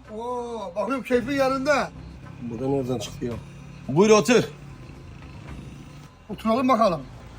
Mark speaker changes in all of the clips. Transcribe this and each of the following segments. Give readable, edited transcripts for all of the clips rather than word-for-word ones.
Speaker 1: Oo, bakıyorum keyfin yerinde.
Speaker 2: Bu da nereden çıktı ya? Buyur otur.
Speaker 1: Oturalım bakalım.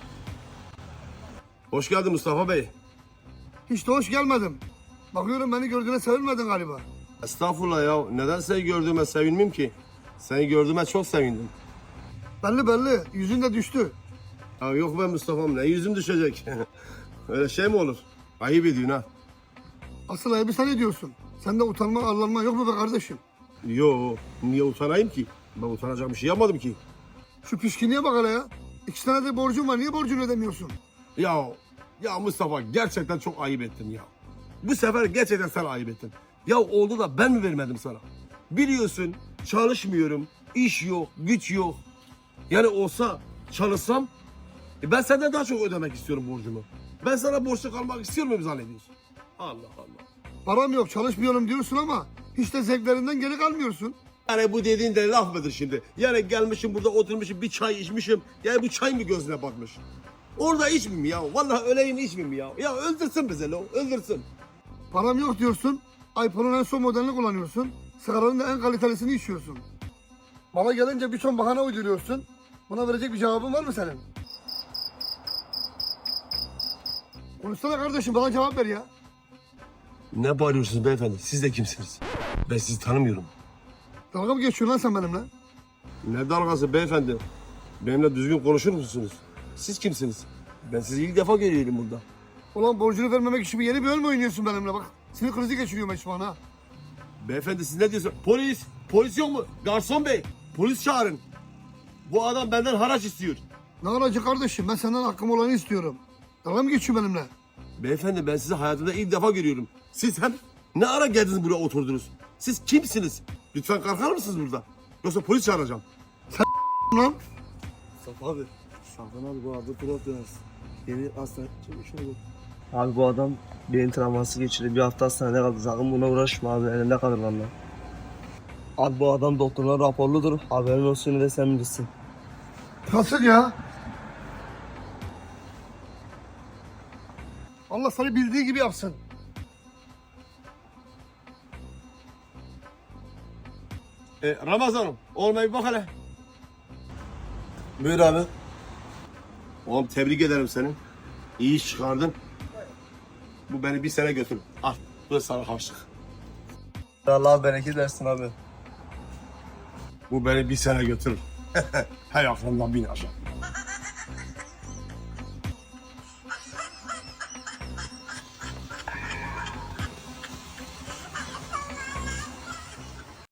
Speaker 2: Hoş geldin Mustafa Bey.
Speaker 1: Hiç de hoş gelmedim. Bakıyorum beni gördüğüne sevinmedin galiba.
Speaker 2: Estağfurullah ya. Neden seni gördüğüme sevinmeyeyim ki? Seni gördüğüme çok sevindim.
Speaker 1: Belli belli. Yüzün de düştü.
Speaker 2: Ya yok be Mustafa'm, ne yüzüm düşecek? Öyle şey mi olur? Ayıp ediyorsun ha.
Speaker 1: Asıl ayıbı sen ediyorsun. Sende utanma, arlanma yok mu be kardeşim?
Speaker 2: Yo, niye utanayım ki? Ben utanacak bir şey yapmadım ki.
Speaker 1: Şu pişkinliğe bak hele ya. 2 tane de borcun var. Niye borcunu ödemiyorsun?
Speaker 2: Ya Mustafa, gerçekten çok ayıp ettin ya. Bu sefer gerçekten sen ayıp ettin. Ya oldu da ben mi vermedim sana? Biliyorsun çalışmıyorum, iş yok, güç yok. Yani olsa çalışsam ben senden daha çok ödemek istiyorum borcumu. Ben sana borçlu kalmak istiyor muyum zannediyorsun? Allah Allah.
Speaker 1: Param yok, çalışmıyorum diyorsun ama hiç de zevklerinden geri kalmıyorsun.
Speaker 2: Yani bu dediğin de laf mıdır şimdi? Yani gelmişim burada oturmuşum, bir çay içmişim. Yani bu çay mı gözüne batmış? Orada içmeyeyim ya. Vallahi öleyim içmeyeyim ya. Ya öldürsün bizi lo, öldürsün.
Speaker 1: Param yok diyorsun. iPhone'un en son modelini kullanıyorsun. Sigaranın da en kalitelisini içiyorsun. Bana gelince bir ton bahane uyduruyorsun. Buna verecek bir cevabın var mı senin? Konuşsana kardeşim, bana cevap ver ya.
Speaker 2: Ne bağırıyorsunuz beyefendi? Siz de kimsiniz? Ben sizi tanımıyorum.
Speaker 1: Dalga mı geçiyorsun lan sen benimle?
Speaker 2: Ne dalgası beyefendi? Benimle düzgün konuşur musunuz? Siz kimsiniz? Ben sizi ilk defa görüyorum burada.
Speaker 1: Ulan borcunu vermemek için yeni bir oyun mu oynuyorsun benimle bak. Sinir krizi geçiriyorum hiç bana.
Speaker 2: Beyefendi siz ne diyorsunuz? Polis! Polis yok mu? Garson bey! Polis çağırın. Bu adam benden haraç istiyor.
Speaker 1: Ne aracı kardeşim, ben senden hakkım olanı istiyorum. Dalga mı geçiyor benimle?
Speaker 2: Beyefendi ben sizi hayatımda ilk defa görüyorum. Siz hem ne ara geldiniz buraya oturdunuz? Siz kimsiniz? Lütfen kalkar mısınız burada? Yoksa polis çağıracağım.
Speaker 1: Lan
Speaker 2: Mustafa abi.
Speaker 3: Safran abi bu arada pilot biraz. Yeni hastane çıkmış oldu. Abi bu adam beyin travması geçirdi. Bir hafta hastanede kaldı. Sakın buna uğraşma abi. Elinde kalır valla. Abi bu adam doktorlar raporludur. Haberin olsun, yine de sen bilirsin.
Speaker 1: nasıl ya? Allah seni bildiği gibi yapsın.
Speaker 2: Ramazan'ım olmayı bak hele.
Speaker 3: Buyur abi.
Speaker 2: Oğlum tebrik ederim seni. İyi iş çıkardın. Bu beni bir sene götür. Al. Bu da sana harçlık.
Speaker 3: Allah bereket versin abi.
Speaker 2: Bu beni bir sene götürür. Hay aklımdan bin aşağı.